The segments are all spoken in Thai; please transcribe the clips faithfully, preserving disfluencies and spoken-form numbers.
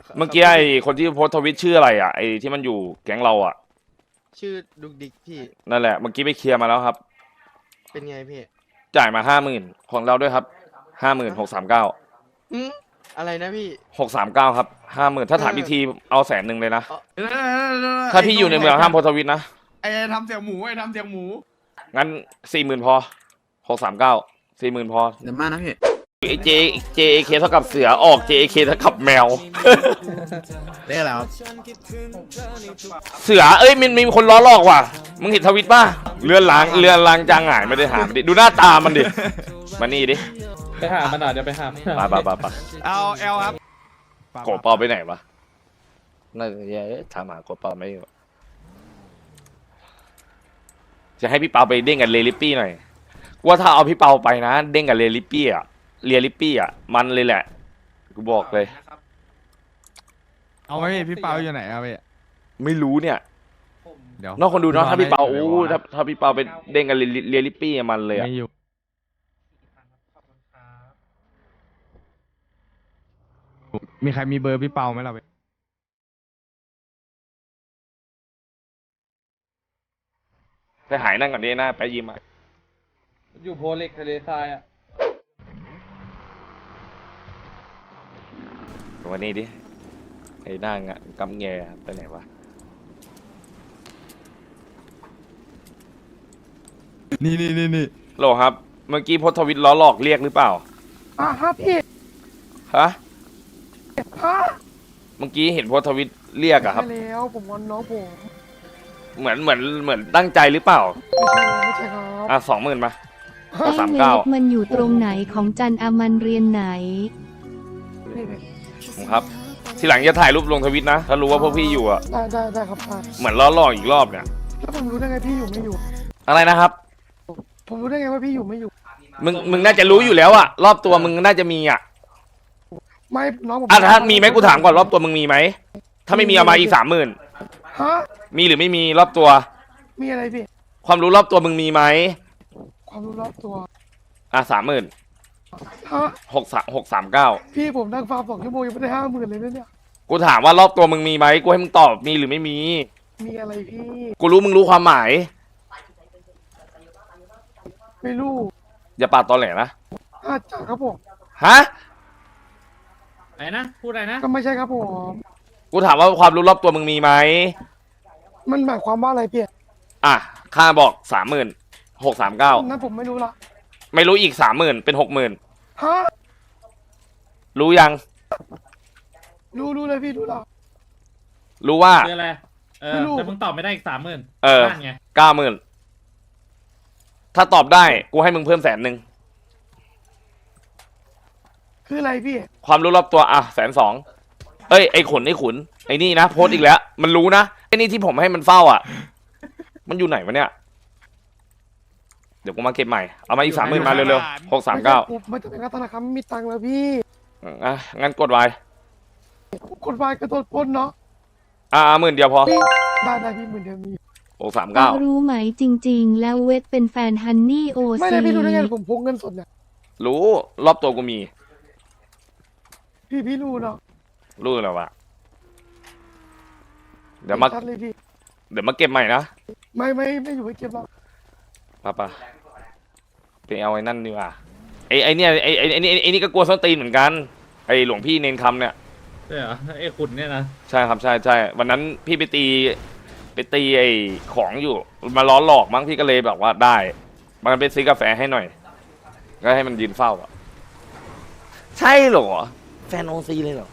เมื่อกี้ไอ้คนที่โพสต์ทวิตชื่ออะไรอ่ะไอ้ที่มันอยู่แก๊งเราอ่ะชื่อดุกดิกพี่นั่นแหละเมื่อกี้ไปเคลียร์มาแล้วครับเป็นไงพี่จ่ายมาห้าหมื่นของเราด้วยครับห้าหมื่นหกสามเก้าอืมอะไรนะพี่หกสามเก้าครับห้าหมื่นถ้าถามเอออีกทีเอาแสนหนึ่งเลยนะเอ่อเออถ้าพี่อยู่ในเมืองห้ามโพสต์ทวิตนะไอ้ทำเสียงหมูไอ้ทำเสียงหมูงั้นสี่หมื่นพอหกสามเก้าสี่หมื่นพอเดี๋ยวมานะพี่ไอเจเจเคเท่ากับเสือออกเจเคเท่ากับแมวเรียกอะไรครับเสือเอ้ยมันมีคนล้อหลอกว่ะมึงเห็นทวิตป่ะเรือนล้างเรือนล้างจางหายไม่ได้หามันดิดูหน้าตามันดิมานี่ดิไปหามันหน่อยเดี๋ยวไปหาไปไปไปไปเอาเอลครับโกเปาไปไหนวะน่าจะแย่ถามหาโกเปาไม่อยู่จะให้พี่เปาไปเด้งกับเลลิปปี้หน่อยว่าถ้าเอาพี่เปาไปนะเด้งกับเลลิปปี้อะเรียลิปปี้อะมันเลยแหละกูบอกเลยเอาไว้พี่เปาอยู่ไหนเอาไปไม่รู้เนี่ยเดี๋ยวนอกคนดูเนาะถ้าพี่เปาไม่โอ้อยู่ถ้าถ้าพี่เปาไปเด้งกับเรียลิปปี้มันเลยอะไม่อยู่มีใครมีเบอร์พี่เปาไหมเราไปไปหายนั่งก่อนดิหน้าไปยิ้มอะอยู่โพเล็กทะเลทรายอ่ะวันนี้ดิไอ้นั่งอะกำแงไปไหนวะนี่นี่นี่นี่โหลครับเมื่อกี้โพสต์ทวิตล้อหลอกเรียกหรือเปล่าอ่ะครับพี่ฮะฮะเมื่อกี้เห็นโพสต์ทวิตเรียกอะครับไม่แล้วผมงอนน้องผมเหมือนเหมือนเหมือนตั้งใจหรือเปล่าไม่ใช่ไม่ใช่ครับอ่ะสองหมื่นมาไอ้สามเวเก้าฟมันอยู่ตรงไหนของจันอามันเรียนไหนนี่เลยผมครับ ทีหลังจะถ่ายรูปลงทวิตนะ ถ้ารู้ว่าพวกพี่อยู่อะได้ได้ได้ครับได้เหมือนล้อหลอกอีกรอบเนี่ยแล้วผมรู้ได้ไงพี่อยู่ไม่อยู่อะไรนะครับผมรู้ได้ไงว่าพี่อยู่ไม่อยู่มึงมึงน่าจะรู้อยู่แล้วอะรอบตัวมึงน่าจะมีอะไม่น้องผมอ่ะถ้ามีไหมกูถามก่อนรอบตัวมึงมีไหมถ้าไม่มีเอามาอีกสามหมื่นฮะมีหรือไม่มีรอบตัวมีอะไรพี่ความรู้รอบตัวมึงมีไหมความรู้รอบตัวอ่ะสามหมื่นฮะหกสามหกสามเก้าพี่ผมนั่งฟาร์มสองชั่วโมงยังไม่ได้ห้าหมื่นเลยนะเนี่ยกูถามว่ารอบตัวมึงมีไหมกูให้มึงตอบมีหรือไม่มีมีอะไรพี่กูรู้มึงรู้ความหมายไม่รู้อย่าปาดตอแหลนะอาจจะครับผมฮะไหนนะ พูดอะไรนะก็ไม่ใช่ครับผมกูถามว่าความรู้รอบตัวมึงมีไหมมันหมายความว่าอะไรพี่อ่ะค่าบอกสามหมื่นหกสามเก้านั้นผมไม่รู้ละไม่รู้อีกสามหมื่นเป็นหกหมื่นฮะรู้ยังรู้รู้เลยพี่รู้ละรู้ว่าคืออะไร เออไม่รู้แต่มึงตอบไม่ได้อีกสามหมื่นเออนั่นไงเก้าหมื่นถ้าตอบได้กูให้มึงเพิ่มแสนหนึ่งคืออะไรพี่ความรู้รอบตัวอ่ะแสนสองเอ้ยไอ้ขุนไอ้ขุนไอ้นี่นะโพสต์อีกแล้ว มันรู้นะไอ้นี่ที่ผมให้มันเฝ้าอ่ะ มันอยู่ไหนวะเนี่ยเดี๋ยวกูมาเก็บใหม่เอามาอีกสามหมื่นมาเร็วๆหกสามเก้าผมไม่ต้องเป็นการธนาคารไม่มีตังค์แล้วพี่อ่ะงั้นกดไว้กฎหมายกระโดดปล้นเนาะอ่าหมื่นเดียวพอพี่ได้ได้พี่หมื่นเดียวมีหกสามเก้ารู้ไหมจริงๆ แล้วเวทเป็นแฟนฮันนี่โอไม่ซีได้พี่รู้ได้ไงผมพกเงินสดเนี่ยรู้รอบตัวกูมีพี่พี่รู้เนาะรู้แล้ววะเดี๋ยวมาชัดเลยพี่เดี๋ยวมาเก็บใหม่นะไม่ไม่ไม่อยู่ให้เก็บหรอกป้าป้าไปเอาไอ้นั่นดีกว่าไอ้ไอ้เนี่ยไอ้ไอ้ไอ้นี่ไอ้นี่ก็กลัวส้นตีนเหมือนกันไอ้หลวงพี่เนนคำเนี่ยใช่เหรอไอ้ขุนเนี่ยนะใช่ครับใช่ใช่วันนั้นพี่ไปตีไปตีไอ้ของอยู่มาล้อหลอกมั้งพี่ก็เลยแบบว่าได้มันไปซื้อกาแฟให้หน่อยก็ให้มันยืนเฝ้าอ่ะใช่เหรอแฟนโอซีเลยเหรอ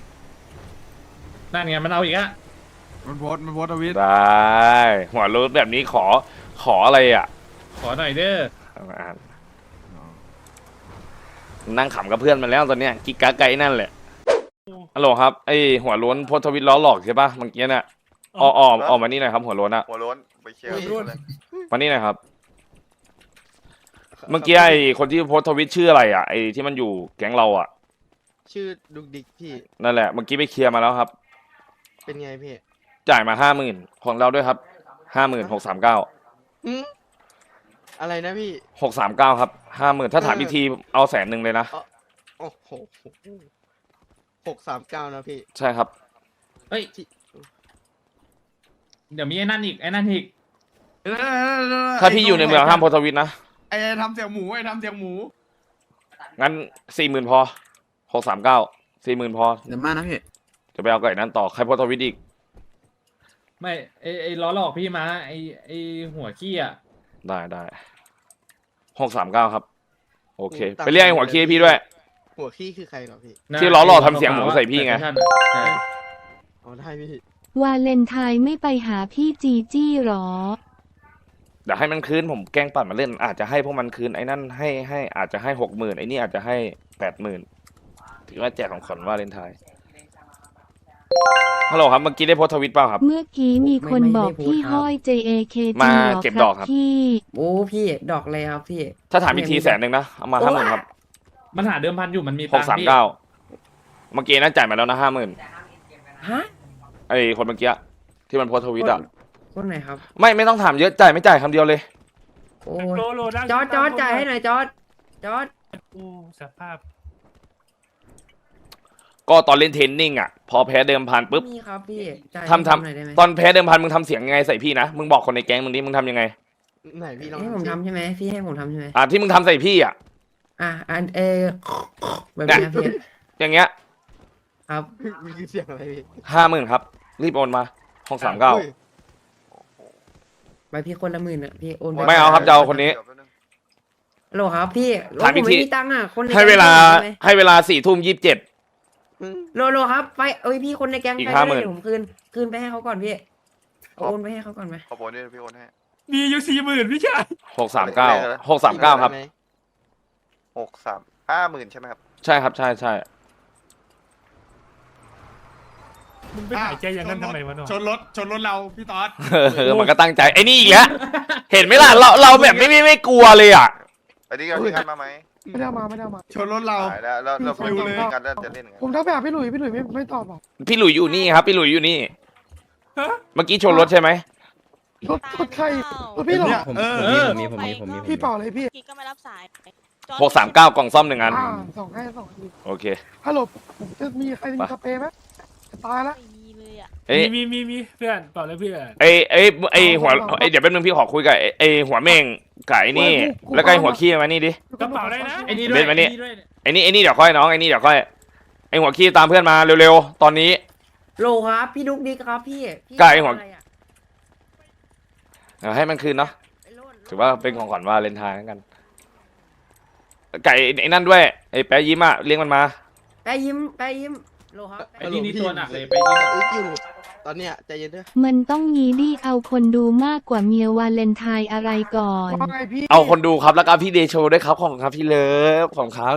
นั่นไงมันเอาอีกอะมันโพสต์มันโพสต์ทวิตได้หัวรถแบบนี้ขอขออะไรอ่ะขอหน่อยเด้ออ่านนั่งขำกับเพื่อนมันแล้วตอนเนี้ยกิกกาไกนั่นแหละฮัลโหลครับไอหัวโล้นโพสต์ทวิตล้อหลอกใช่ปะเมื่อกี้เนี่ยออกออกออกมานี่หน่อยครับหัวโล้นอะหัวโล้นไปเคลียร์หัวโล้นเลยมานี่หน่อยครับ เมื่อกี้ไอคนที่โพสต์ทวิตชื่ออะไรอ่ะไอที่มันอยู่แก๊งเราอ่ะชื่อดุกดิกพี่นั่นแหละเมื่อกี้ไปเคลียร์มาแล้วครับเป็นไงพี่จ่ายมาห้าหมื่นของเราด้วยครับห้าหมื่นหกสามเก้าอืมอะไรนะพี่หกสามเก้าครับห้าหมื่นถ้าถามอีกทีเอาแสนหนึ่งเลยนะโอ้โหหกสามเก้านะพี่ใช่ครับเฮ้ย เดี๋ยวมีไอ้นั่นอีกไอ้นั่นอีกเออเออเออถ้าพี่อยู่ในเมืองห้ามโพสต์ทวิตนะไอ้ไอ้ทำเสียงหมูไอ้ทำเสียงหมูงั้นสี่หมื่นพอหกสามเก้าสี่หมื่นพอเดี๋ยวมานะพี่จะไปเอาไก่นั้นต่อใครโพสต์ทวิตอีกไม่ไอ้ไอ้ล้อหลอกพี่มาไอ้ไอ้หัวขี้อ่ะได้ได้หกสามเก้าครับ โอเคตัดไปเรียกไอ้หัวขี้ให้พี่ด้วยหัวขี้คือใครเหรอพี่นะที่ล้อหลอกทำเสียงหมูใส่พี่ไงใช่ใช่อ๋อได้พี่วาเลนไทน์ไม่ไปหาพี่จีจี้หรอเดี๋ยวให้มันคืนผมแกล้งปั่นมาเล่น อาจจะให้พวกมันคืนไอ้นั่นให้ให้อาจจะให้หกหมื่นไอ้นี่อาจจะให้แปดหมื่นถือว่าแจกของขวัญวาเลนไทน์ฮัลโหลครับเมื่อกี้ได้โพสต์ทวิตเปล่าครับเมื่อกี้มีคนไม่ไม่บอกได้พูดพี่ครับห้อย เจ เอ เค จีมาหรอเก็บคดรัอบ กครับพี่โอ้พี่ดอกเลยครับพี่ถ้าถามอีกทีแสนหนึ่งนะเอามาห้าหมื่นครับมันหาเดิมพันอยู่มันมีหตักงค์สามพี่เก้าเมื่อกี้น่าจ่ายมาแล้วนะห้าหมื่นฮะไอ้คนเมื่อกี้ที่มันโพสต์ทวิตอ่ะคนไหนครับไม่ไม่ต้องถามเยอะจ่ายไม่จ่ายคำเดียวเลยโอ้ยจอร์ดจอร์ดจ่ายให้หน่อยจอร์ดจอร์ดอู้สภาพก็ตอนเล่นเทรนนิ่งอ่ะพอแพ้เดิมพันปุ๊บมีครับพี่จ่ายทำทให้ผมหน่อยได้ไหมำตอนแพ้เดิมพันมึงทำเสียงยังไงใส่พี่นะมึงบอกคนในแก๊งมึงดิมึงทำยังไงไหนพี่ลองให้ผมทำใช่ไหมพี่ให้ผมทำใช่ไหมอ่าที่มึงทำใส่พี่อ่ะอ่ะอันเออแบบนี้ครับพี่อย่างเงี้ยครับมีเสียงอะไรพี่ห้าหมื่นครับ รีบโอนมาห้องสามเก้าอุ้ยไปพี่คนละหมื่นอ่ะพี่โอนปไม่เอาครับจะเอาคนนี้โหลครับพี่โหลถามผอีมกทีไม่มีตังค์อ่ะคนในให้เวลาแก๊งได้ไหมให้เวลาสี่ทุ่มยี่สิบเจ็ดอืมโหลโหลครับไปเอ้ยพี่คนในแก๊งอีกไปห้าได้หมื่นเดี๋ยวผมคืนคืนไปให้เขาก่อนพี่เอาโอนไปให้เขาก่อนไหมขอโอนนี่พี่โอนให้มีอยู่สี่หมื่นพี่ชายหกสามเก้าหกสามเก้าครับได้ไหมหกสามห้าหมื่นใช่ไหมครับใช่ครับใช่ใช่มึงไปหายใจอย่างนั้นทำไมวะเนาะชนรถชนรถเราพี่ต๊อดเออมันก็ตั้งใจไอ้นี่อีกแล้วเห็นไหมล่ะเราเราแบบไม่ไม่ไม่กลัวเลยอ่ะอันนี้ก็พี่งันมาไหมไม่ได้เอามาไม่ได้เอามาชนรถเราตายแล้วแล้วเราฟิวเลยพี่งันแล้วจะเล่นไงผมทักไปหาพี่หลุยพี่หลุยไม่ไม่ตอบหรอกพี่หลุยอยู่นี่ครับ พี่หลุยอยู่นี่ เมื่อกี้ชนรถใช่ไหมรถรถใครรถพี่เหรอเนี่ยเออเออมีผมมีผมมีผมมีพี่เปล่าเลยพี่กิ๊กก็ไม่รับสายหกสามเก้ากล่องซ่อมหนึ่งอันอ่าสองให้สองทีโอเคฮัลโหลผมจะมีใครมีสเปรย์ไหมจะตายละไม่มีเลยอ่ะเอ้ยมีมีมีมีเพื่อนเปล่าเลยเพื่อนไอ้ไอ้ไอ้หัวไอ้เดี๋ยวแป๊บนึงพี่ขอคุยกับไอ้ไอ้หัวเม่งกับไอ้นี่ แล้วก็ไอ้หัวขี้มานี่ดิกระเป๋าได้นะไอ้นี่ด้เบวยนมานี่ไอ้ด้วยไอ้นี่ไอ้นี่เดี๋ยวค่อยน้องไอ้นี่เดี๋ยวค่อยไอ้หัวขี้ตามเพื่อนมาเร็วๆตอนนี้โหลครับพี่ดุ๊กดิ๊กครับพี่พี่ไก่หัวอะไรอะเอาให้มันคืนเนาะไอ้โลดถือว่าเป็นของขวัญวาเลนไทน์แล้วกัน ไก่ไอ้นั่นด้วยไอ้แป๊ะยิ้มอะเลี้ยงมันมาแปะยิ้มแปะยิ้มโหลครับไอ้นี่นี่ตัวหนักเลยไปไปยิงอึกอยู่ ตอนเนี้ยใจเย็นด้วยมันต้องยีดี้เอาคนดูมากกว่าเมียวาเลนไทน์อะไรก่อนว่าไงพี่เอาคนดูครับแล้วก็พี่เดโชด้วยครับของครับพี่เลิฟของครับ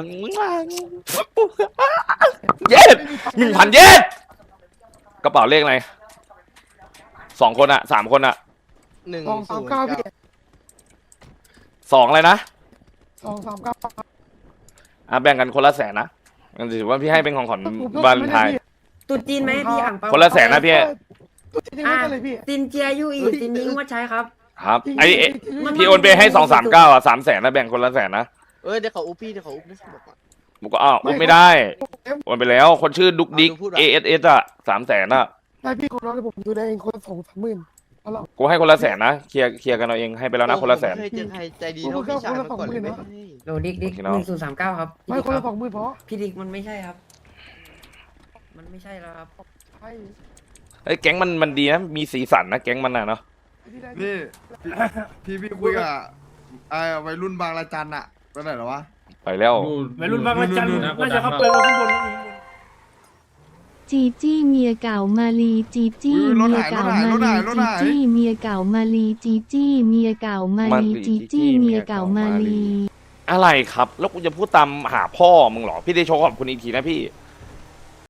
เย็ดหนึ่งพันเย็ดกระเป๋าเลขอะไรสองคนอะสามคนอะหนึ่งสองสาศูมนย์เก้าเก้าพี่สองเลยนะสองสามเก้าอ่ะแบ่งกันคนละแสนนะงั้นถือว่าพี่ให้เป็นของขวัญผมวาเลนไทน์ตุ๊ดจีนไหมพี่อ่างเปาคนละแสนนะพี่ตัวจริงๆไม่กันเลยพี่ซินเจียยูอีซินยิงว่าใช้ครับครับไอ้ไอ้มันพี่โอนไปให้สองสามเก้าอ่ะสามแสนนะแบ่งคนละแสนนะเอ้ยเดี๋ยวเขาอุบพี่เดี๋ยวเขาอุบนะบอกก่อนผมก็อ้าวอุ้มไม่ได้โอนไปแล้วคนชื่อดุกดิกเอาดูพูดว่ะเอเอสเอสอ่ะสามแสนอ่ะได้พี่คนน้องผมดูได้เองคนละสองสามหมื่นเอาละกูให้คนละแสนนะเคลียร์เคลียร์กันเอาเองให้ไปแล้วนะคนละแสนผมไม่เคยเจอใครใจดีเท่าพี่ชายมาก่อนเลยเว้ยโหลดิ๊กดิ๊กโอเคหเนอะนึ่งศูนย์สามเก้าครับไม่คนละสองหมื่นพอพี่ดิ๊กมันไม่ใช่ครับ มันไม่ใช่แล้วครับใช่ไอ้ยแก๊งมันมันดีนะมีสีสันนะแก๊งมันน่ะเนาะพี่ได้นี่พี่พี่พี่คุยกับไอ้วัยรุ่นบางระจันอะไปไหนแล้ววะไปแล้ววัยรุ่นบางระจันดูะน่าจะเข้าไปลงข้างบนจีจี้เมียเก่ามาลีจีจี้เมียเก่ามาลีจีจี้เมียเก่ามาลีจีจี้เมียเก่ามาลีจีจี้เมียเก่ามาลีอะไรครับ แล้วกูจะพูดตามหาพ่อมึงเหรอพี่ได้โชว์ขอบคุณอีกทีนะพี่